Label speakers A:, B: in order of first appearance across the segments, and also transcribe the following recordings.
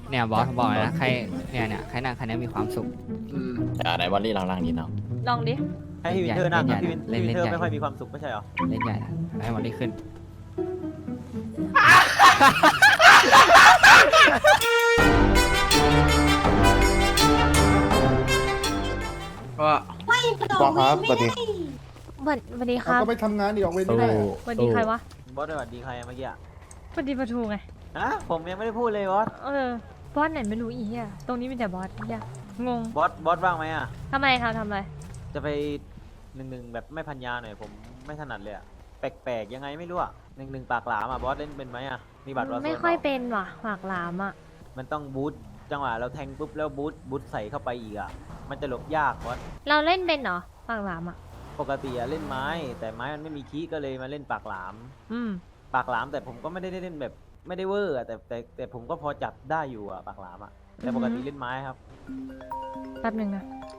A: เนี่ยบอสบอกเลยนะใครเนี่ยใครนั่งคันนี้มีความสุข
B: ไหนบอลลี่ลองดิเนาะ
C: ลองดิ
D: ให้พี่วินเทอร์นั่งครับพี่วิน
A: เล่น
D: เทอร์
A: ใหญ่
D: ไม่ค่อยมีความสุขไม่ใช่เหรอ
A: เล่นใหญ่นะให้วันนี้ขึ้น
E: ว่า
F: บอกครับสวัสดี
C: สวัสดีค
F: เรา
C: รับ
F: ก็ไปทำงานดิออกเวรไม่ได้อะ
C: สวัสดีใครวะ
D: บอสสวัสดีใครอะเมื่อกี้อะ
C: สวัสดีปะทูไง
D: ผมยังไม่ได้พูดเลยบอส
C: บอสไหนไม่รู้อีเหี้ยตรงนี้มีแต่บอสเหี้ยงง
D: บอสว่างไหมอะ
C: ทำไมครับทำอะไร
D: จะไป1-1แบบไม่พันยาหน่อยผมไม่ถนัดเลยอะแปลกๆยังไงไม่รู้อะ1-1ปากหลามอะบอสเล่นเป็นไหมอะมีบัตรวอลโซน
C: ไม่ค่อย
D: ปล่า
C: เป็นว่ะหวากหลามอ่ะ
D: มันต้องบูทจังหวะเราแทงปุ๊บแล้วบูทใส่เข้าไปอีกอะมันจะหลบยากบอส
C: เราเล่นเป็นเหรอหวากหลามอ่ะ
D: ปกติอะเล่นไม้ แต่ไม้มันไม่มีคีย์ก็เลยมาเล่นปากหลาม
C: อืม
D: ปากหลามแต่ผมก็ไม่ได้เล่นแบบไม่ได้เวอร์อะแต่ผมก็พอจับได้อยู่อะปากหลามอะแต่ปกติเล่นไม้ครับ
C: แป๊บหนึ่งนะ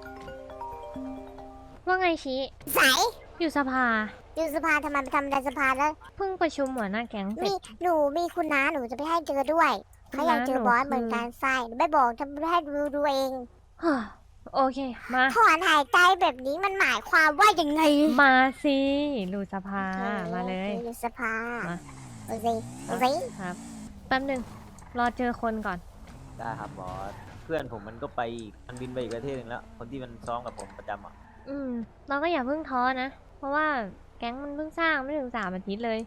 C: ว่าไงชี้
G: สาย
C: อยู่สภา
G: อยู่สภาทำไมไปทำอะไรสภาแล้ว
C: เพิ่งประชุมหัวหน้าแก๊งเสร็จ
G: หนูมีคุณน้าหนูจะไปให้เจอด้วยเขาอยากเจอบอสเหมือนกันใช่ไม่บอกทำให้ดูเอง
C: ฮ่าโอเค มา
G: ถอนหายใจแบบนี้มันหมายความว่ายังไง
C: มาสิรูสภามาเลย
G: อยู่สภา
C: มา
G: โอเคโอเค
C: ครับแป๊บหนึ่งรอเจอคนก่อน
D: ได้ครับบอสเพื่อนผมมันก็ไปอีกมันบินไปอีกประเทศหนึงแล้วคนที่มันซ้อมกับผมประจำอ่ะ
C: เราก็อย่าเพิ่งท้อนะ เพราะว่าแก๊งมันเพิ่งสร้างไม่ถึง3 อาทิตย์เลย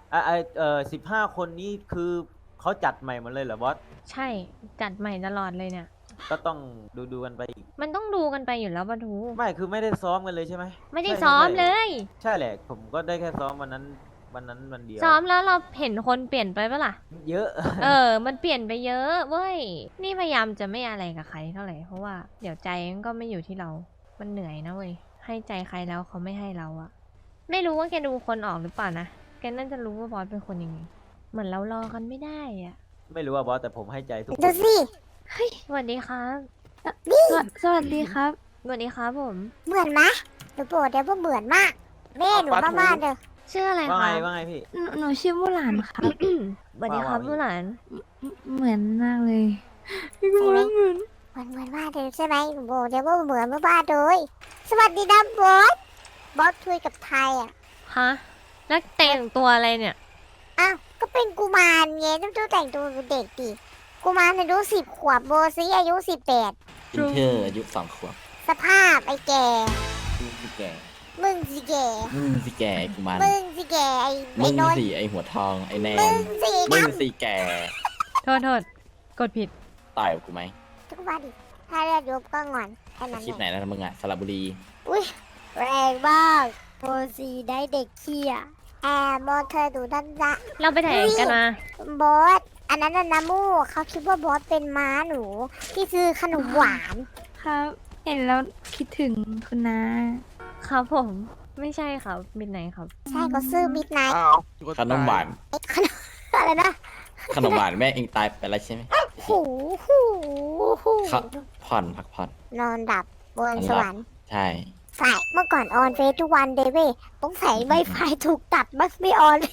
D: 15 คนนี้คือเขาจัดใหม่หมดเลยเหรอบอส
C: ใช่จัดใหม่ตลอดเลยเนี่ย
D: ก็ต้องดูกันไปอีก
C: มันต้องดูกันไปอยู่แล้วปะทู
D: ไม่คือไม่ได้ซ้อมกันเลยใช่ไหม
C: ไม่ได้
D: ใช่
C: ซ้อม
D: ใช่
C: เลย
D: ใช่แหละผมก็ได้แค่ซ้อมวันเดียว
C: ซ้อมแล้วเราเห็นคนเปลี่ยนไปปะล่ะ
D: เยอะ
C: มันเปลี่ยนไปเยอะเว้ย นี่พยายามจะไม่อะไรกับใครเท่าไหร่ เพราะว่าเดี๋ยวใจมันก็ไม่อยู่ที่เรา มันเหนื่อยนะเว้ย ให้ใจใครแล้วเขาไม่ให้เราอะไม่รู้ว่าแกดูคนออกหรือเปล่านะ แกน่าจะรู้ว่าบอสเป็นคนยังไง เหมือนเรารอกันไม่ได้อะ
D: ไม่รู้ว่าบอสแต่ผมให้ใจทุกค
G: ดู
D: น
G: สิ
C: สวัสดีครับ
H: สวัสดีครับ
C: สวัสดีครับผม
G: เหมือนไหมหนูโปรดเดี๋ยวว่าเหมือนมากแม่หนูบ้านๆเด้อ
C: ชื่ออะไร
D: ว่า
C: ค
D: ไง
C: รับ
D: ว่าไงพี่
H: หนูชื่อมุหลานครับ
C: สวัสดีครับ
D: ว่า
C: ผู้หลาน
H: เหมือนมากเลย
G: ใช่ไหมเหมือนบ้านเด้อใช่ไหมหนูโปรดเดี๋ยวว่าเหมือนบ้านๆเลยสวัสดีนะบอสบอสคุยกับไทยอ่ะ
C: ฮะ แล้วแต่งตัวอะไรเนี่ย
G: อ้าว ก็เป็นกุมารไงต้องแต่งตัวเป็นเด็กดิกุมารอายุ10 ขวบโบซีอายุ18
B: อินเทอร์อายุ2 ขวบ
G: สภาพไอ้แก่
B: มึงสิแก่
G: มึงสิแก่
B: มึงสิแก่กูมัน
G: มึงสิแก่ไอ้
B: มึ
G: ไอ้
B: ง
G: นนท์
B: สิไอหัวทองไอแน
G: มึ
B: น
G: งสิ
B: มึ
G: ด
B: งสิแก่
C: โทษ กดผิด
B: ต่อยกับกูไหม
G: ำทุกวันดิถ้าเลือดยบก็งอนแค่นั้น
B: คลิป
G: เอ
B: ไหน
G: ง
B: นะมึงอะสระบุรี
G: อุ้ยแรงมากโบซีได้เด็กเขี้ยมองเธอดูด้านละ
C: เราไปไหนกันมา
G: บอสอันนั้นน่ะนะมูเขาคิดว่าบอสเป็นม้าหนูที่ซื้อขนมหวาน
H: ครับ เห็นแล้วคิดถึงคุณน้า
C: ครับผม ไม่ใช่ครับบินไหนครับ
G: ใช่ก็ซื้อมิดไนท์
E: อ้าว
B: ขนมหวาน
G: อะไรนะ
B: ขนมหวานแม่เองตายไปแล้วใช่ไหม
G: หูหูหู
B: เขาผ่อนพักผ่อน
G: นอนดับบนสวรรค์
B: ใช่
G: ใช่เมื่อก่อนออนเฟซทุกวันเดเว้ยต้องใส่ไวไฟถูกตัดบัสไม่ออนเลย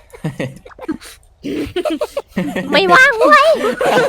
C: ไม่ว่างเว้ย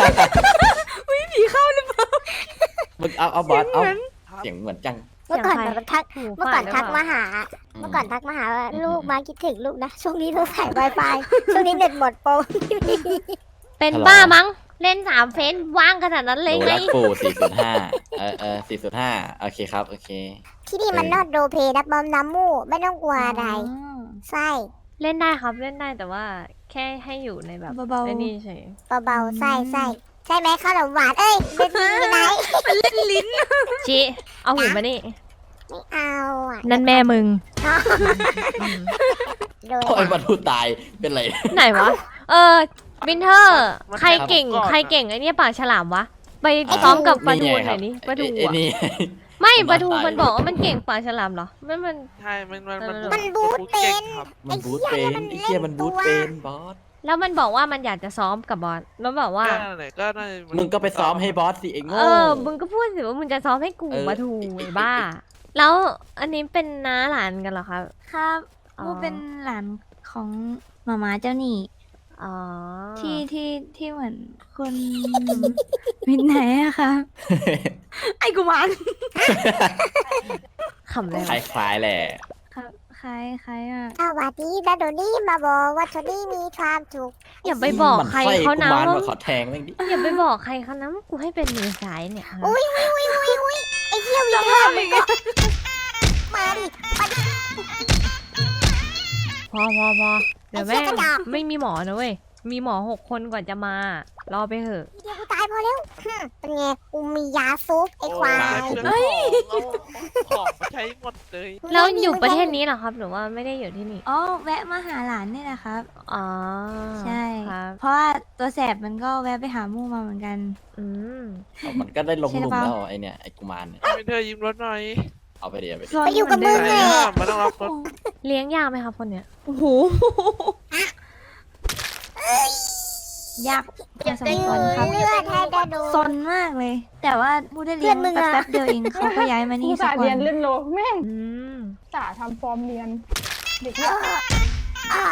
B: มึงเอาบอสเอาเสียงเหมือนจัง
G: เมื่อก่อน
C: เสียงใคร
G: แบบทัก
C: หู
G: เมื่อ
C: ฝา
G: ก่อ
C: ด
G: น
C: หรือ
G: ทัก
C: เปล่า
G: มาหา เมื่อก่อนทักมาหาว่าลูกมาคิดถึงลูกนะ ช่วงนี้ต้องใส่ไวไฟ ช่วงนี้เน็ตหมดโปร
C: เป็น
B: ฮัลโหล
C: บ้ามั้ง เล่น3 เฟซว่างขนาดนั้นเลย
B: ดู
C: ไง
B: รักกู405405โอเคครับโอเค
G: ที่นี่มันนอดโดเพนะบอมน้ำมูกไม่ต้องกลัวอะไร ใช่
C: เล่นได้ครับเล่นได้แต่ว่าแค่ให้อยู่ในแบบ
H: เบาๆ
C: ไอ้นี่เฉย
G: เบาๆใช่ใช่ใช่ไหมขนมหวานเอ้ยเป็นมีไหน
C: ชิเอาหูมานี่
G: ไม่เอาอ่ะ
C: นั่นแม่มึง
G: โดย
B: โอ้ยบรรทุตายเป็นไร
C: ไหนวะ วินเทอร์ ใครเก่งไอ้เนี่ยปากฉลามวะ ไปซ้อมกับปลาทูหน่อยนี่ปลาทู
B: ไอ้
C: อะ
B: นี่
C: ไม่ปลาทูมันบอกว่ามันเก่งปากฉลามเหรอมัน
E: ใช่มัน
G: มันบูทเป็น
E: ครับ
B: มันบูทเป็นไอ้เหี้ยมันบูทเป็นบอส
C: แล้วมันบอกว่ามันอยากจะซ้อมกับบอสแล้วบอกว่า
E: ก็นั่นแหละก็น่าจะ
B: มึงก็ไปซ้อมให้บอสสิไอ้โง่
C: มึงก็พูดสิว่ามึงจะซ้อมให้กู
B: เออ
C: ปลาทูไอ้บ้า แล้วอันนี้เป็นน้าหลานกันเหรอครับ
H: ครับ
C: อ๋อ
H: มูเป็นหลานของหมาม้าเจ้าหนี่
C: อ๋อ
H: ที่เหมือนคุณมินไหนอะคะ ไอ้กุมาร
C: ขำเลย
B: คล้ายๆแหละ
H: ครับคล้ายอะ
G: สวัสดีนะโดนี่มาบอกว่าโทนี่มีความสุข
C: อย่าไปบอกใครเขานะ
B: มันไส้กุมาร
C: ว่า
B: มาขอแทงแม่งดิ
C: อย่าไปบอกใครเขานะว่ากูให้เป็นมือซ้ายเนี่ยฮะ
G: อุ้ยไอ้เหี้ยวินเทอร์มึงก็มาดิมาดิ
C: พอเดี๋ยว
G: ไอ้
C: แม่
G: เหี้ยกระจอก
C: ไม่มีหมอนะเว้ย มีหมอ6 คนกว่าจะมา รอไปเถอะ
G: เดี๋ยวกูตายพอแล้วเป็นไงกูมียาซุปไอ้ควาย
E: เฮ้ยของมาใช้หมดเลย
C: แล้วอยู่ประเทศนี้เหรอครับ หรือว่าไม่ได้อยู่ที่นี่
H: อ๋อแวะมาหาหลานนี่แหละครับ
C: อ๋อ
H: ใช่
C: ครับ
H: เพราะว่าตัวแสบมันก็แวะไปหามู่มาเหมือนกัน
C: อืม
B: เอามันก็ได้ลงหลุม
H: ใช่หรือเปล่า
B: แล้วไอเนี่ยไอกุมารเนี่ย
E: ไม่เธอยิ้มรถหน่อย
B: เอาไปเดี๋ยวไปดิ
H: ซน
G: ไปอยู่กับมึง
H: เห
G: ไง
H: นเดิ
E: มันต้องรับรถ
C: เลี้ยงยากไหมครับคนเนี้ย
H: โอ้โหยากพอสมควรครับ
G: เลือดให้ได้ดู
H: ซนมากเลย แต่ว่ามูได้เรียน
G: เพื่อนมึงอะ
H: แป๊บๆเดียวเองเขาก็ย้ายมานี่
I: ผู้
H: สั
I: สาก
H: วั
I: เรียน
H: น
I: เล่นโลแม่ง
C: อืม
I: สาทำฟอร์มเรียน เด็กเนี่ย
G: อ่า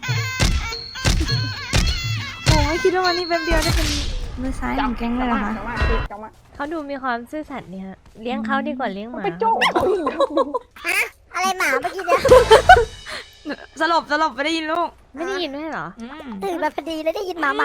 H: โอ้ไม่คิดว่าวันนี้แป๊บเดียวได้เป็นมือซ้ายของแก๊งเลยเหรอคะ
I: จังหวะ
C: เขาดูมีความซื่อสัตย์เนี่ยฮะเลี้ยงเขาดีกว่าเลี้ยงหมา
I: ไปโจ้เขาอีกแล้วดู
G: อะไรหมาเมื่อกี้เนี่ย
H: สลบไม่ได้ยินลูก
C: ไม่ได้ยินด้วยเหรอ
G: ตื่นมาพอดีแล้วได้ยินหมา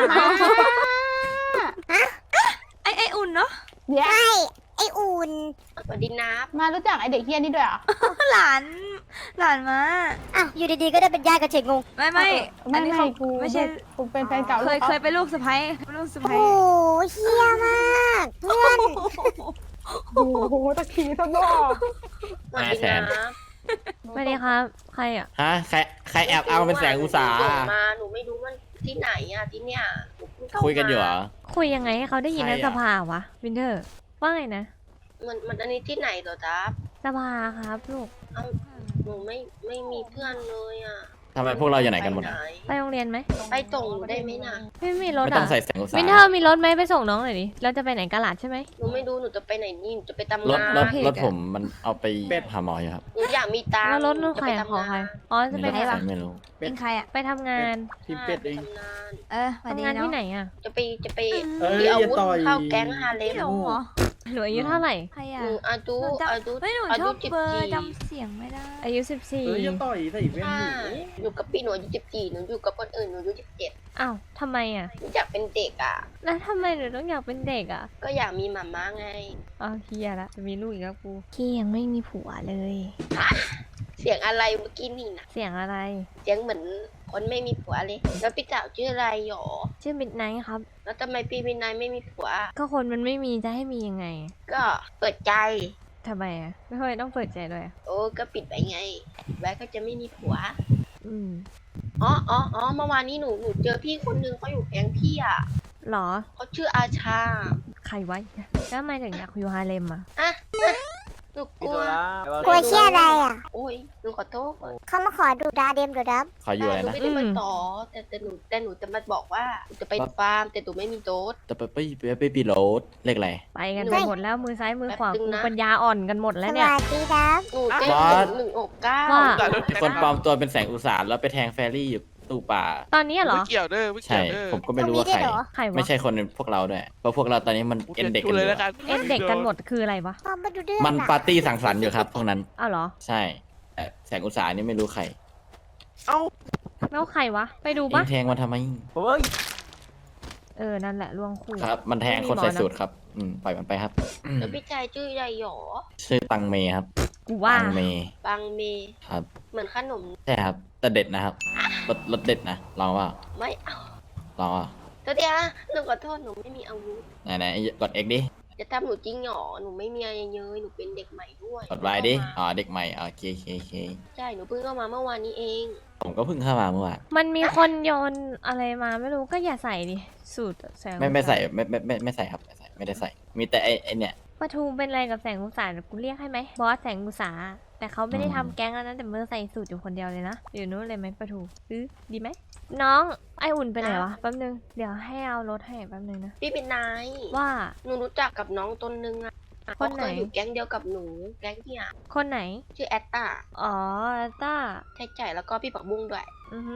H: ไออุ่นเนาะ
I: เดี๋ยว
G: ใช่ไอ้อุ่น
C: สวัสดีนับ
I: มารู้จักไอเด็กเฮี้ยนี่ด้วยเหรอ่ะ
H: หลานมา
G: อ่ะอยู่ดีๆก็ได้เป็นญาติกับเฉงงง
H: ไม่อันนี้เขา
I: กู
H: ไม่ใช่
I: กูเป็นแฟนเก่า
H: เคยเป็นลูกสะใภ้ลูกสะ
G: โอ้
H: ใภ้
G: โหเฮี้ยมากเพื่อน
I: โอ้โหตะขี้ซะด้วย
B: 500,000
C: สวัสดีครับ ใครอ่ะ
B: ฮะใครแอบเอาเป็นแสงอุตสาห์
J: มาหนูไม่รู้มันที่ไหนอ่ะที่เนี่ยหนูเพิ่งเข้า
B: คุยกันอยู่เหรอ
C: คุยยังไงให้เขาได้ยินใน
B: ใครอะ
C: สภาวะ วินเทอร์ ว่าไงนะ
J: มันอันนี้ที่ไหนเหรอจ๊ะ
C: สภาครับลูก
J: หนูไม่มีเพื่อนเลยอ่ะ
B: ทำไมพวกเราอยู่ไหนกันหมดอะ
C: ไปโรงเรียนไหม
J: ไปส่งหนูได้ไหมนะ
C: ไม่มีรถ
B: ไม่ต้อ
C: อ่ะ
B: งใส่แสงอุตสา
C: วิน
B: ห์
C: เทอร์มีรถไหมไปส่งน้องหน่อยดิ เราจะไปไหนกะลาดใช่ไหม
J: หนูไม่รู้หนูจะไปไหนนี่หนูจะไปทำ
B: รถ
J: งาน
B: รถ
C: โอเค
B: รถผมมันเอาไปหาหมออยู่ครับ
J: หนูอยากมีตังค์
C: แล้วรถนู่น
J: จะ
C: ใคร
J: ไป
C: อะ
J: ทำ
C: ของใคร
J: งาน
C: อ๋อ จะไป
B: ไม่
C: ไหน
B: รู้
C: วะ
B: ไม่รู้
H: เป็นใครอ่ะ
C: ไปทำงาน
J: ทีมเป็ดเองทำงาน
H: สวัสดี
C: ทำงาน
H: เนาะ
C: ที่ไหนอ่ะ
J: จะไปมีอาวุธเข้าแก๊งฮาเล
H: พี่
J: ม
H: หลงเหรอ
C: หนูอายุเท่าไหร่
H: ใคร
J: ห
H: อ่ะ
J: นูอายุ
H: หนูจำ
J: อายุ
H: ไม่หนู
J: อา
H: ช
J: ยุ
H: อบ
J: 14
H: เบอร์จำเสียงไม่ได้
C: อายุ14
F: ต่อยใส่แว่น
J: ใช่อยู่กับพี่หนูอายุ14หนูอยู่กับคนอื่นหนูอายุ17
C: อ้าวทำไมอ่ะ
J: หนูอยากเป็นเด็กอ่ะ
C: แล้วทำไมหนูต้องอยากเป็นเด็กอ่ะ
J: ก็อยากมีหม่าม้าไง
C: อ้าวเฮียละจะมีลูกอีกแล้วกูพี่ยังไม่มีผัวเลย
J: เสียงอะไรเมื่อกี้นี่นะ
C: เสียงอะไร
J: เสียงเหมือนคนไม่มีผัวเลย แล้วพี่สาวชื่ออะไรหรอ
C: ชื่อมิดไนท์ครับ
J: แล้วทำไมพี่วินัยไม่มีผัว
C: ก็คนมันไม่มีจะให้มียังไง
J: ก็เปิดใจ
C: ทำไมอ่ะ ไม่ค่อยต้องเปิดใจด้วยอะ
J: โอ้ก็ปิดไปไง ไว้ก็จะไม่มีผัว
C: อืม
J: อ๋อเมื่อวานนี้หนูเจอพี่คนนึงเขาอยู่แก๊งพี่อ่ะ
C: หรอ
J: เขาชื่ออาชา
C: ใครไว้แล้วทำไมถึงอยากอยู่ฮาเลมอ่ะ
J: หนูก
D: พี่
J: ลั
D: ตัว วละ
G: กลัวเชี่ยอะไรอ่ะ
J: โอ้ยหนูขอโทษ
G: เขามาขอดูดาเดมดูดับ
B: ขออยู่อะไร
J: หนู
B: นะ
J: ไม่ได้มาต่อแต่หนูจะมาบอกว่าหนูจะไปฟาร์มแต่หนูไม่มีโต๊ด
B: จะไปปีโรดเลขอะไร
C: ไปกัน
J: เฮ้
C: ไป
J: ย
C: หมดแล้วมือซ้ายมือขวา
J: แป๊บนึ
C: กู
J: งนะ
C: ปัญญาอ่อนกันหมด
G: ส
C: แล้วเนี่ย
G: วัสดีดับ
J: หนูเจ๊
B: บอส
J: 169
C: ว่า
B: คนปลอมตัวเป็นแสงอุตสาห์แล้วไปแทงแฟรี่อยู่ตู้ป่า
C: ตอนนี้เหรอ
E: ไม่เกี่ยวเด้อไม่เกี่
B: ใช่
E: ยวเด้อ
B: ผมก็ไม่รู้ว่าใคร
C: ใครวะ
B: ไม่ใช่คนในพวกเราด้วย เพราะพวกเราตอนนี้มันเอ็นเด็ก
E: พู
B: กั
E: ด
B: นอ
E: เลย
B: ยู่
E: แล้วกัน
C: เอ็นเด็กกันหมดคืออะไรวะ
G: พอมาดูเดือด
B: มันปาร์ตี้สังสรรค์อยู่ครับพวกนั้น
C: อ้าวเหรอ
B: ใช่แต่แสงอุตสาห์นี่ไม่รู้ใคร
E: เอ้า
C: แล้วใครวะ ไปดู
B: เอ็
C: ปะ
B: งแทงมาทำไม
D: เฮ้ย
C: นั่นแหละล่วงคู่
B: ครับ มันแทงคนใส่สูตรครับ ปล่อยมันไปครับ
J: แล้วพี่ชายชื่ออะไรหรอ
B: ชื่อตังเมครับ
C: กูว่า
B: ตังเม
J: บางเม
B: ครับ
J: เหมือนขนม
B: ใช่ครับ แต่เด็ดนะครับ รสเด็ดนะ ลองว่า
J: ไม่เอา
B: ลองว่า
J: ตัวเดียวหนูขอโทษหนูไม่มีอาวุธ
B: ไหนกด X ดิ
J: จะทำหนูจริงหรอหนูไม่มีอะไรเยอะหนูเป็นเด็กใหม่ด้วย
B: กด Y ดิ อ๋อ เด็กใหม่โอเค
J: ใช่หนูเพิ่งเข้ามาเมื่อวานนี้เอง
B: ผมก็เพิ่งเข้ามาเมื่อวาน
C: มันมีคนโยนอะไรมาไม่รู้ก็อย่าใส่ดิ สูตรแสง
B: ไม่ใส่ไม่ใส่ครับไม่ได้ใส่ มีแต่ไอเนี่ย
C: ปะทูเป็นอะไรกับแสงอุตสาหกูเรียกให้ไหมบอสแสงอุตสาหแต่เขาไม่ได้
B: อืม
C: ทำแก๊งแล้วนะแต่มือใส่สูตรอยู่คนเดียวเลยนะอยู่นู้นเลยไหมปะทูดีไหมน้องไออุ่นไปไหนวะแป๊บนึงเดี๋ยวให้เอารถให้แป๊บนึงนะ
J: พี่เป็นนาย
C: ว่า
J: หนูรู้จักกับน้องตนนึงอะ
C: คนไหน
J: เขาเคยอยู่แก๊งเดียวกับหนูแก๊งที่อะ
C: คนไหน
J: ชื่อแอตตา
C: อ๋อต้า
J: ใช่แล้วก็พี่ปักบุ้งด้วย
C: อือหือ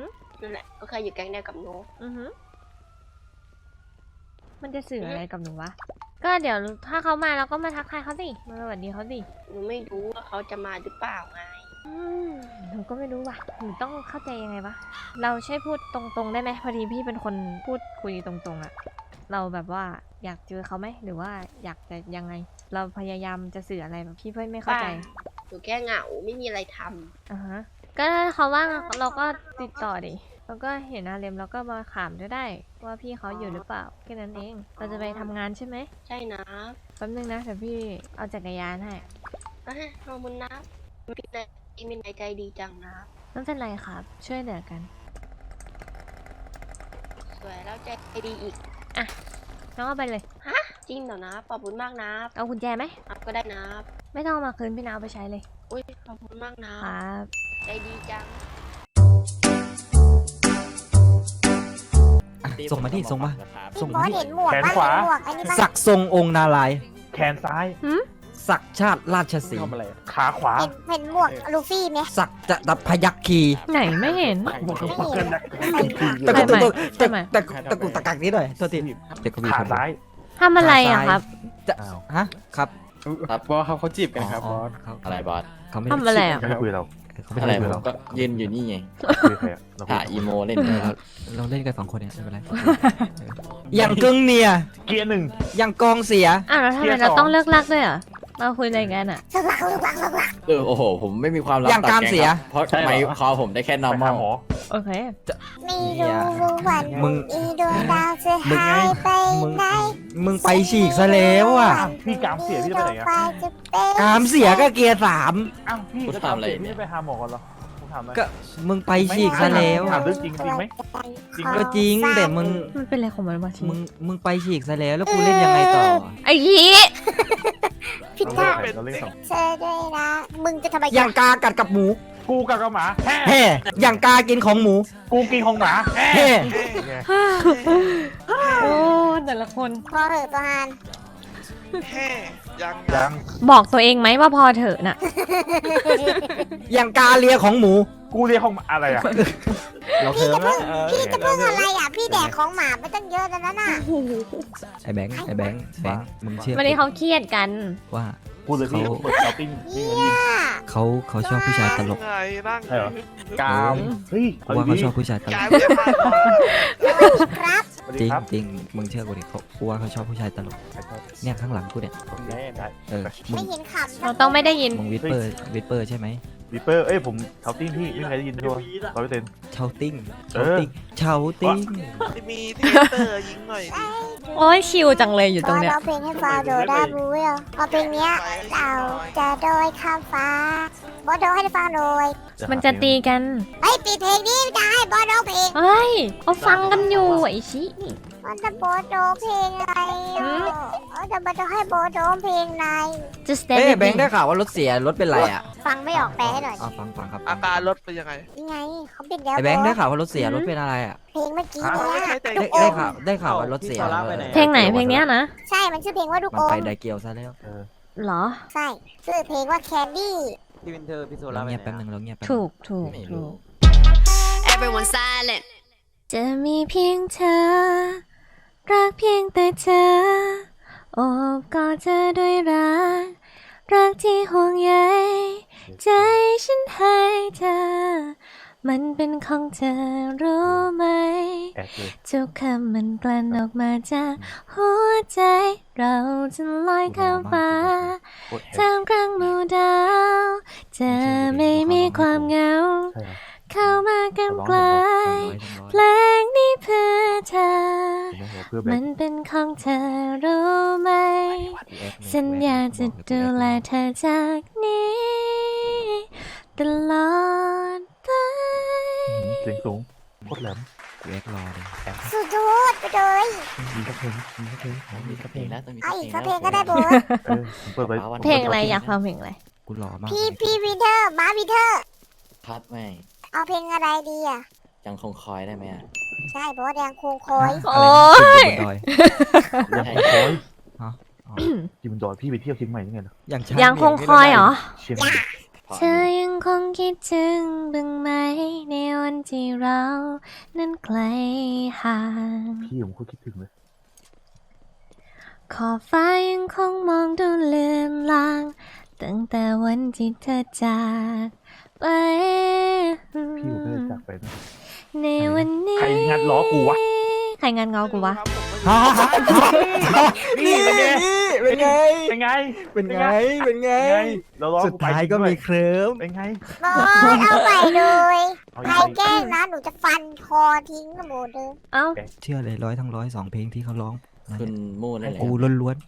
J: นั่นแหละก็เคยอยู่แก๊งเดียวกับหนู
C: อือฮึมันจะสื่ออะไรกับหนูวะ ก็เดี๋ยวถ้าเขามาเราก็มาทักทายเขาสิมาสวัสดีเขาสิ
J: หนูไม่รู้ว่าเขาจะมาหรือเปล่าไง
C: หนูก็ไม่รู้ว่ะหนูต้องเข้าใจยังไงวะเราใช่พูดตรงๆได้ไหมพอดีพี่เป็นคนพูดคุยตรงๆอะเราแบบว่าอยากเจอเขาไหมหรือว่าอยากจะยังไง เราพยายามจะสื่ออะไรแบบพี่เพื่อนไม่เข้าใจ
J: หนูแค่เหงาไม่มีอะไรทำ
C: อ่าฮะก็ถ้าเขาว่างเราก็ติดต่อดิแล้วก็เห็นอาเรมเราก็มาถามด้วยได้ว่าพี่เขาอยู่หรือเปล่าแค่นั้นเองเราจะไปทำงานใช่ไหม
J: ใช่นะ
C: แป๊บนึงนะเดี๋ยวพี่เอาจักรยานให้
J: ขอบคุณนะมีนายใจดีจังนะ
C: ไม่เป็นไรครับ ช่วยเหลือกัน
J: สวยแล้วใจดีอีก
C: น้องเอาไปเลย
J: จริงเหรอนะขอบคุณมากนะ
C: เอากุญแจไหม
J: อัพก็ได้นะ
C: ไม่ต้องเอามาคืนพี่นาวไปใช้เลย
J: อุ้ยขอบคุณมากนะครับ ใจดีจัง
A: ส่งมาดิส่งมา
G: พี่บอสเห็นหมวก
E: แขน
G: ปะ
E: ขวา
G: เห็นหมวกอันนี้ปะ
A: ศักดิ์ทรงองค์นารายณ์
E: แขนซ้าย
A: ศักดิ์ชาติราชสีห์
D: ทำอะไร
E: ขาขวา
G: เห็นหมวกลูฟี่ไหม
A: ศักดิ์จะดับพยัคคี
C: ไหนไม่เห็น
A: ตะกุก
C: ใช่ไหม
A: ตะ
C: ใช่ไหม
A: ตะกุกตะกุกตะกักนิดหน่อยโทษทีเด็กก็มี
E: ขา
A: คน
E: ซ้าย
C: ทำอะไรอะครับ
A: จะฮะครับ
B: ครับบอสเขาจีบกันครับบอส
A: เขา
B: อะไรบอส
A: เขาไม่
C: ทำอะไรอะ
E: ไม่คุยเรา
A: เขาไม่
B: อะไร
A: ได้
B: ผ
A: เรา
B: มก็ยืนอยู่นี่ไง
E: คุยใครอะเราคุ
B: ถ่าย อีโมเล่น
A: เราเล่นกันสองคนเนี่ยไม่เป็นไรอย่างกึ่งเนีย
E: เกียร์หนึ่ง
A: อย่างกองเสีย
C: อ้าวแล้วทำไมเราต้องเลิกลักด้วยอะเราคุยอะไรกันอะ
G: สลักสลักสลัก
B: โอ้โห ผมไม่มีความลับ
A: อย่าง
B: ต่
A: การ
B: แง
A: เสีย
B: ครับเพราะไมค์คอผมได้แค่
E: ไปหา
B: normal
E: หมอ
C: โอเค
G: ไม่รู้วัน
A: มึง
G: อีดวงดาวจะหายไป
A: มึง
G: ไหน
A: มึงไปฉีกซะแล้วอ่ะ
E: อ้าวพี่กามเสียพี่จะไปไหนอะ
G: จะเป็น
A: กามเสียก็เกียร์สาม
E: อ้าวพี่
B: กู
E: จะ
B: ทำอะไร
E: เสีย
B: เนี่
E: พี่
B: ย
E: จะไปหาหมอก่อนเหรอผมถามหน่อย
A: ก็มึงไปฉีกซะแล้ว
E: ถา
A: อะ
E: มเรื่องจริงจริงไหม จริง
A: ก็จริงแต่มึง
C: มันเป็นอะไรของมันวะที
A: มึงไปฉีกซะแล้วแล้วกูเล่นยังไงต่อ
C: ไอ้ยี
G: พิ
E: เรา
G: ธา
E: เล่นเราเล่นสอง
G: เธอด้วยนะมึงจะทำไม
A: อย่างกากัดกับหมู
E: กูกับกระหมาแฮ่
A: แห่อย่างกากินของหมู
E: กูกินของหมาแฮ่
A: แห่
E: ไง
C: โอ้แต่ละคน
G: พอเหอะตัวฮาน
E: ยัง
C: บอกตัวเองไหมว่าพอเถอะน่ะ
A: อย่างกาเลียของหมู
E: กูเรียกของอะไรอะ
A: เราเคิร์มแล้ว
G: พี่จะเพิ่งอะไรอ่ะพี่แดกของหมาไปตั้งเยอะแล้วนั่นน่ะ
A: ไอ้แบงค์มึงเชื่อ
C: วันนี้เขาเครียดกัน
A: ว่า
E: พูดเลยพี่เปิดช้อปปิ้งนี่เงินยิง
A: เขาชอบผู้ชายตลก
E: ใช่เหรอ
B: กาม
E: เฮ้ย
A: กูว่าเขาชอบผู้ชายตลก
G: ครับ
E: สวัส
A: จ
E: ดี
A: ริง
E: ครับ
A: จริงมึงเชื่อกูดิกูว่าเขาชอบผู้ชายตลกเนี่ยข้างหลังกูเนี่ย
E: ได้ได้
A: เออมึ
G: ไม่
A: ง
G: เห็นขำ
C: เราต้องไม่ได้ยิน
A: มึงวิปเปอร์ใช่ไหม
E: วิปเปอร์เอ้ยผมช้อปปิ้งพี่ไม่มีใครได้ยินด้วย100%
A: เชาติ้ง
E: เออ
A: เชาติ้ง
E: มีที่เตอร์ยิงหน่อยดิ
C: โอ้ยชิวจังเลยอยู่ตรงเนี้ย
G: ร้องเพลงให้ฟังโดได้บูเวลพอเพลงเนี้ยเราจะโดยข้ามฟ้าบอสโดให้ฟังโดย
C: มันจะตีกัน
G: เฮ้ยปิดเพลงนี้ได้บอสโดเพลง
C: เฮ้ยเขาฟังกันอยู่ไอ้ชินี่
G: มันจะบอสโดเพลงอะไรอ่ะจะบอสโดให้บอสโดเพลงอะไร
C: just
A: เอ้
C: stand
A: แบงค์ได้ข่าวว่ารถเสียรถเป็นไรอ่ะ
G: ฟังไม่ออกแปลให้หน่อย
A: อ๋อฟังครับ
E: อาการรถเป็นยังไง
G: ยังไงเขาปิดแล้ว
A: ไอ้แบงค์ได้ข่าวว่ารถเสียรถเป็นอะไรอ่ะ
G: เพลงเมื่อกี้
E: ฮะ
G: เนี่ย
A: ได้ข่าวว่ารถเสีย
D: พี่โซล่าไปไหน
C: เพลงไหนเพลงเนี้ยนะ
G: ใช่มันชื่อเพลงว่าลูก
A: มัน
G: อ
A: ไป
G: ม
A: ไดเกียวซะแล้ว
C: เหรอ
G: ใช่ชื่อเพลงว่าแคนดี้
D: พี่วินเทอร์พี่โซ
A: เรา
D: ล่าไป
A: เงียบ
D: ไหน
A: แป๊บนึง
D: อะ
A: เราเงียบแป๊บนึง
C: ถูก
B: ไม่รู้
H: Everyone silent
C: จะมีเพียงเธอ รักเพียงแต่เธอ โอบกอดเธอด้วยรัก รักที่ห่วงใยใจฉันให้เธอ มันเป็นของเธอรู้ไหม
E: แอดเลย
C: ทุกคำมันกลั่นออกมาจากหัวใจ เราจะลอยข้ามฟ้า
E: โคตรแฮ
C: ท่ามกลางหมู่ดาวเธอไม่มีความเหงา
E: ใช่ครับ
C: เข้ามากันไกล
A: 100
C: เพลงนี้เพื่อเธอ
E: เพื่อแบ
C: มั
E: บ
C: นเป็นของเธอรู้ไหม สัญญาจะดูแลเธอจากนี้ ตลอดไป
E: เสียงสูงโคตรแหลม
A: กูแอกรอเลย
G: สุดยอดไปเลย
E: มีสักเพลงมีสักเพลง
B: มีสักเพลงแล้วต้องมี
G: เอา
B: สัก
G: อีก
B: เพล
G: สั
B: ง
G: กเพลงก็ได้โบส
E: ผมเปิดไว้
C: เพลงอะไรอยากฟังเพลงอะไร
A: กูรอมาก
G: พี่วินเทอร์มาวินเทอร์
B: พัดแม่ง
G: เอาเพลงอะไรดีอ่ะ
B: ยังคงคอยได้ไหมอะ
G: ใช่บอสแดงคงคอย
C: โอ๊ย
A: อะไรนะขึ้นบนดอย
E: ยังคงคอย
A: ฮะอ๋อ
E: จิมดอยพี่ไปเที่ยวเชียงใหม่ยังไงล่ะ
A: อย่างช้า
C: ยังคงคอยเหรอ
E: เชียงใหม่
B: พราะ
C: เธอยังคงคิดถึงบ้างไหมในวันที่เรานั้นไกลห่าง
E: พี่ผมก็คิดถึงเลย
C: ขอบฟ้ายังคงมองดูเลือนลาง ตั้งแต่วันที่เธอจากไป
E: พี่ผมก็เลยจากไปนะ
C: ในวันนี้
E: ใครงัดล้อกูวะ
C: ใครงานเงากูวะ
A: นี่เป็นไง
E: เป็นไง
A: เป็นไง เป็นไง
E: เราล้อ
A: สุดท้ายก็มีเคลิ้ม
E: เป็นไง
G: บอสเอาใหม่เลย
E: เอา
G: ใคร
E: อีก
G: แกล้งนะหนูจะฟันคอทิ้งหมดเลย
C: เอ้า
A: เชื่อเลย100 ทั้ง 100 2 เพลงที่เขาร้อง
B: คุณมูนั่นแหละ
A: กูล้วน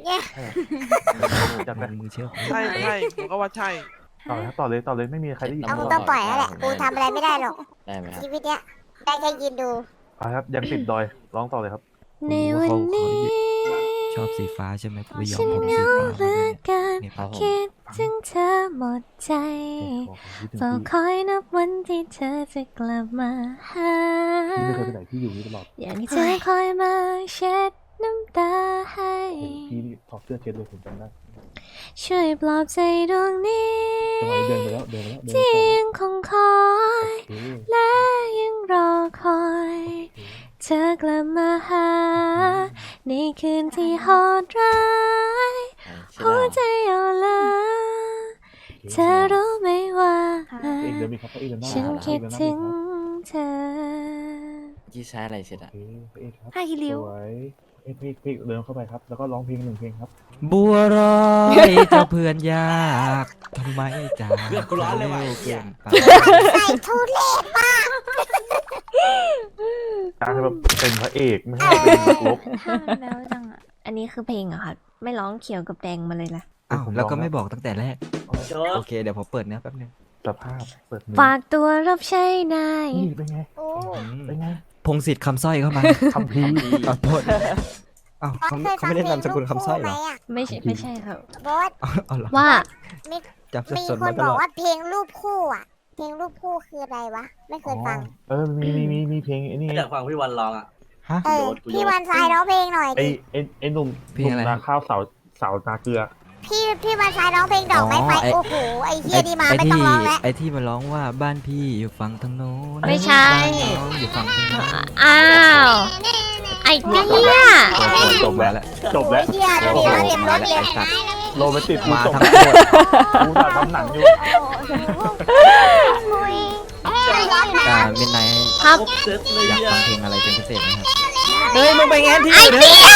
E: จัด
A: ๆ
E: ไป
A: มือเชื่อผม
F: ใช่ใช่ผมก็ว่าใช่
E: ต่อเลยไม่มีใครได้ยิน
G: เอามึงต้องปล่อยแล้วแหละกูทำอะไรไม่ได้หรอก
B: ได้ไหมครับ
G: ชีวิตเนี้ยได้แค่ยืนดู
E: เอาครับยังติดดอยร้องต่อเลยครับ
C: ในวันนี้
A: ชอบสีฟ้าใช่ไหมกูไปยอม
C: ฉัน
A: ผม
C: เห
A: สี
C: งา
A: ฟ้า
C: เหลือเกิน
A: เนี่ยครับผม
C: คิดถึงเธอหมดใจเฝ้าคอยนับวันที่เธอจะกลับมาหา
E: พี่ไม่เคยไปไหนพี่อยู่นี่ตลอด
C: อยากให้เธอคอยมาเช็ดน้ำตาให้
E: พี่นี่ถอดเสื้อเช็ดเลยผมจำได้
C: ช่วยปลอบใจดวงนี้
E: จังหวะนี้เดินไปแล้วเดินไปแล้วเดิน
C: ที่
E: ไป
C: ยังคงคอย
E: โอเค
C: และยังรอคอย เธอกลับมาหา ในคืนที่โหดร้าย
B: ใช่
C: หัวใจอ่อนล้าเธอรู้ไหมว่า
E: เองเดินมีครับเองเดินหน้า
C: ฉันคิดถึงเธอ
B: ที่ใช้อะไรเสร็จ
E: โอ
B: อะ
E: เคพระเอกครับ
H: ผ้าคีริ้ว
E: สวยพี่เดินเข้าไปครับ แล้วก็ร้องเพลง1 เพลงครับ
A: บัวรอยเจ้าเพื่อนยากทำไมจาก
B: เพื่อนกูร้อนเลยว่ะ
A: เร็วเกินไป
G: ใส่ทุเรศมาก
E: การให้แบบเป็นพระเอกไม่ใช่เป็นนักรบ
H: ห้ามแล้วจังอะ
C: อันนี้คือเพลงเหรอะค่ะไม่ร้องเขียวกับแดงมาเลยล่ะ
A: อ้าว
E: ผม
A: แล้วก็
E: ลอง
A: ไม่
E: แล้ว
A: บอกตั้งแต่แรก
D: โจ๊
A: โอก เค เดี๋ยวผมเปิดเนื้อแป๊บนึง
E: สภาพเปิดมือ
C: ฝากตัวรับใช้นาย
E: นี่เป็นไง
G: โอ้
E: เป็นไง
A: พงศิษฐ์คำสร้อยเข้ามา
E: คำพีร์
A: ขอโทษอ้าวเขาไม่ได้นามสกุลคำสร้อยเหรอ
C: ไม่ใช่ครับ
G: บอส
A: เอาเหรอ
C: ว่า
A: จับสับ
G: มี
A: สน
G: ค
A: มาน ต
G: บ
A: ล
G: อก
A: อด
G: ว่าเพลงรูปคู่อ่ะ เพลงรูปคู่คืออะไรวะ ไม่เคยฟัง
E: มีเพลงไอ้นี่
D: อยากฟังพี่วันร้องอ่ะ
A: ฮะ
G: เออ พี่วันทรายร้องเพลงหน่อย
E: ไอ้
G: ดิ
E: ไอ้หนุ่ม
A: เพลงอะไร
E: นาข้าวเสานาเกลือ
G: พี่วันทรายร้องเพลงดอกไม้ไฟ โอ้โห ไอ้เฮียดีมาไม่ต้องร้องแล้ว
A: ไอ้ที่มันร้องว่าบ้านพี่อยู่ฝั่งทางโน้น
C: ไม่ใช่
A: บ้านน้องอยู่ฝั่งทางโน้น
C: อ้าว ไอ้เตี้ย
E: จบแล้วจบแล้ว
G: เฮียเดี๋ยว
A: โอ้โห
G: เดี๋ยวเต็มร
A: มา
G: ถ
A: แล้ว
G: เลย
A: ไอ้สัตว์
E: โรแมนติกกู
A: มา
E: ส่ง
A: ทั้งหมด
E: กูถ่ายทำหนังอยู่
A: อ่ามินไนท์
C: ครับ
D: เซ็ตเลย
A: อยาก
D: อ่ะ
A: ฟังเพลงอะไรเป็นพิเศษไหมครับเฮ้ยมึงไปแงนที่
C: ไอ้
A: อื่น
C: เตี้ย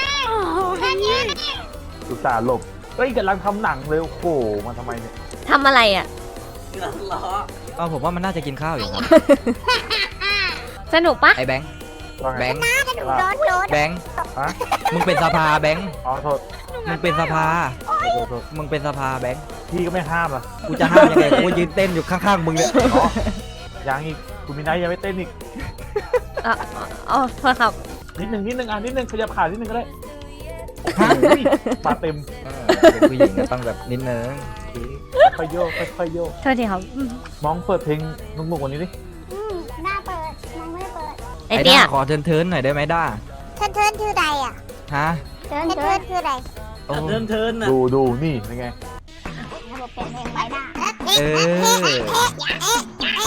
E: กูตาห์หลบเฮ้ยกำลังทำหนังเลยโอ้โหมาทำไมเนี่ย
C: ทำอะไรอ่ะ
D: ล้อ
A: เออผมว่ามันน่าจะกินข้าวอยู่ครับ
C: สนุกปะ
A: ไอ้แบงค์
E: ว่าไง
A: แบงค์
G: โดน
A: แบงค์
E: ฮะ
A: มึงเป็นสภาแบงค์
E: อ๋อโทษ
A: มึงเป็นสภา
E: โทษ
A: มึงเป็นสภาแบงค์
E: พี่ก็ไม่ห้ามล่ะ
A: กูจะห้ามยังไงกูยืนเต้นอยู่ข้างๆมึงเนี่ย
E: อ๋อยังอีกคุณมีไนท์ยังไม่เต้นอีก
C: อ๋อโทษครับ
E: นิดนึงอ่ะนิดนึงขยับขานิดนึงก็ได้มาเต็ม
A: เป็นผู้หญิงก็ต้องแบบนิดนึง
E: ค่อยโยกค่อยโยก
C: โทษทีครับ
E: มองเปิดเพลงนุ่มๆกว่านี้ดิ
G: หน้าเปิดมองไม่เปิด
C: ไอ้
A: ไอ้
C: เตี้
A: ด้าย ขอเทินๆหน่อยได้ไหมด้า
G: เทินคือใดอ่ะ
A: ฮะ
G: เทินคือใด
A: โอ้
D: เทินเทินอ่ะ
E: ดูนี่เป็นไง
G: ระบบเปลี่ยนเพลงไปหน้า
A: เออ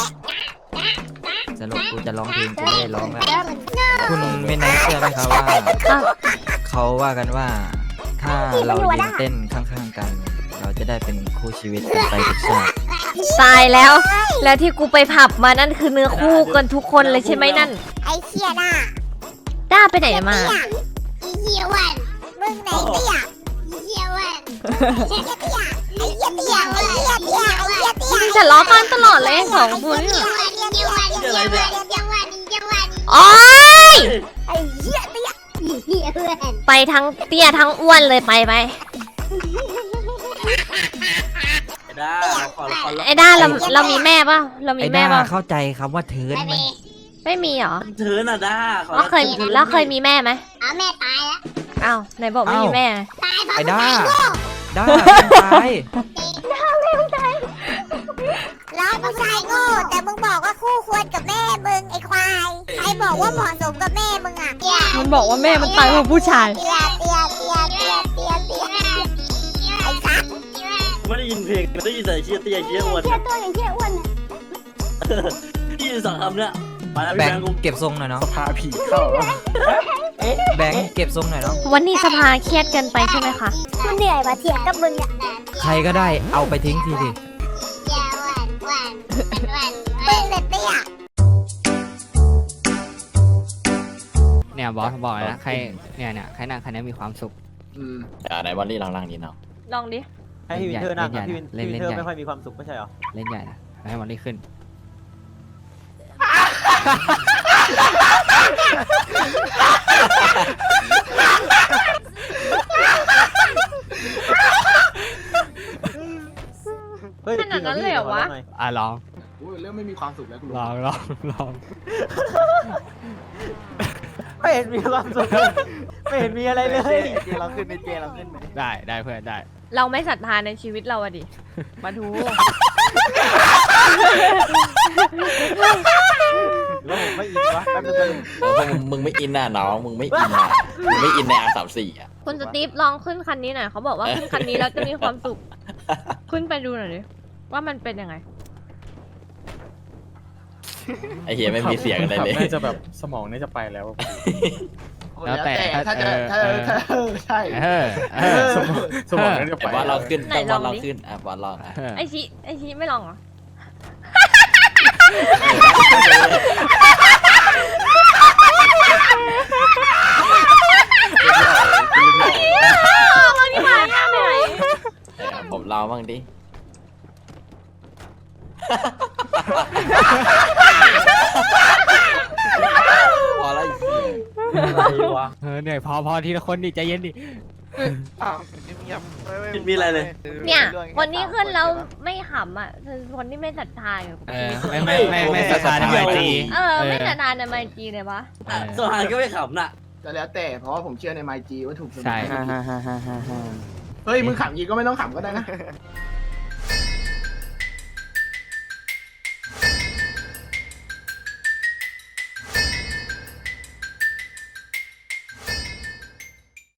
A: สรุปกูจะร้องเพลงกูไม่ได้ร้องแล้วคุณไม่น่าเชื่อไหมครับว่า เขาว่ากันว่า ถ้าเรายืนเต้นข้างๆกัน เราจะได้เป็นคู่ชีวิตกันไปทุกชาติ
C: ตายแล้ว แล้วที่กูไปผับมานั่นคือเนื้อคู่กันทุกคนเลยใช่ไหมนั่น
G: ไอ้เชี่ยหน้า
C: ด้าไปไหนมา
G: ไอ้เหี้ยวันมึงไหนเตี้ยไอ้เหี้ยวันไอ้เหี้ยเตี้ยไอ้เหี้ยเตี้ยไอ้เหี้ยเตี้ยไอ้เหี้ยเตี้ย
C: มึงจะล้อกันตลอดเลยสองคนเนี่ย โอ๊ย
G: ไอ้เหี้ยเตี้ยไอ้เหี้ยวัน
C: ไปทั้งเตี้ยทั้งอ้วนเลยไป
D: ได้ขอ
C: ไอ้ด้าเรามีแม่ป่ะเรามี
A: ไอ้
C: แม่
A: ด้า
C: ป่ะ
A: เข้าใจคำว่าเทิร์นไหม
C: ไม่มีเหรอ
D: เทินอ่ะด้า
C: แล้วเคยมีแม่ไหม
G: เอาแม่ตายแล้ว
C: อ้าวไหนบอกไม่มีแม่
G: ตายเพราะ
A: ไอ้ด้า ด้าไม่ตาย
G: ร้องผู้ชายโง่แต่มึงบอกว่าคู่ควรกับแม่มึงไอ้ควายใครบอกว่าเหมาะสมกับแม่มึงอ่ะ
C: มันบอกว่าแม่มันตายเพราะผู้ชาย
G: เตี้ยไอ้สัส
D: ไม่ได้ยินเพลง
B: มันได้ยินแต่เชี่ยเตี้ยเชี่ยอ้วน
G: เชี่ยตัวอย่างเชี่ยอ้วนน่ะ
B: ที่สองคำเนี่ยมาแล้ว
A: แบ
B: พี่
A: ง
B: แบง
A: ค์
B: ค์กู
A: เก็บทรงหน่อยน้อง
F: พาผีเข้า
A: แบงค์เก็บทรงหน่อยน้อง
C: วันนี้สภาเครียดเกินไปใช่ไหมคะ
G: กูเหนื่อยว่ะเถียงกับมึงเนี่ย
A: ใครก็ได้เอาไปทิ้งทีดิ
G: มึงเนี่ยเตี้ย
K: เนี่ยบอสบอกเลยนะใครเนี่ยใครนั่งคันนี้มีความสุข
B: ไหนบอลลี่ลองนั่งดีเนาะ
C: ลองดิ
D: ให้พี่วินเทอร์นั่งอะ
K: เล่
D: พี่
K: น
D: วิน
K: ใหญ่
D: เทอร์
K: เล่นใหญ่
D: ไม่ค่อยมีความสุขไม่ใช่เหรอ
K: เล่นใหญ่นะให้มันได้ขึ้น
D: เฮ้ย
C: ขนาดนั้นเลยเหรอวะ
K: อ่ะลอง
F: เริ่มไม่มีความสุขแล้วกู
K: ลอง
D: ไม่เห็นมีความสุขไม่เห็นมีอะไรเลย
E: เราขึ้นในเจเราขึ้นไหม
K: ได้เพื่อนได้
C: เราไม่ศรัทธาในชีวิตเราอะดิ มาดู
D: แล้วผมไม่อินวะแป๊บนึง
B: มึงไม่อินน่ะน้องมึงไม่อินน่ะมึงไม่อินในR34อ่ะ
C: คุณสตีฟลองขึ้นคันนี้หน่อยเขาบอกว่าขึ้นคันนี้แล้วจะมีความสุข ขึ้นไปดูหน่อยดิว่ามันเป็นยังไง
B: ไอเฮียไม่มีเสียงอะไรเลย
F: น่าจะแบบสมองน่าจะไปแล้ว
K: แล้วแต่ถ้า
F: ใช่ สมองน่าจะไป
B: แต่ว่าเราขึ้น
C: ไหน
B: ต้อง
C: ล
B: ว่า
C: อง
B: เรา
C: ดิ
B: ขึ้นอ่ะบอลลองอ่ะ
C: ไอชิไม่ลองเหรอ ลองที่มายากไหน
B: ผมลองบ้างดิพอแล้วไอ้เหี้ย
D: อะไรวะ
K: เหนื่อยพอทีละคนดิใจเย็นดิ
B: มีอะไรเลย
C: เนี่ยวันนี้ขึ้นแล้วไม่ขำอ่ะคือคนที่ไม่ศรัทธาอยู่กับชีวิต
K: ไม่ศรัทธาในไมจี
C: ไม่ศรัทธาในไมจีเลยวะ
B: สหายก็ไม่ขำน่ะ
F: แต่แล้วแต่เพราะว่าผมเชื่อในไมจีว่าถูกเสมอ
K: ใช่
F: เฮ้ยมึงขำยีก็ไม่ต้องขำก็ได้นะ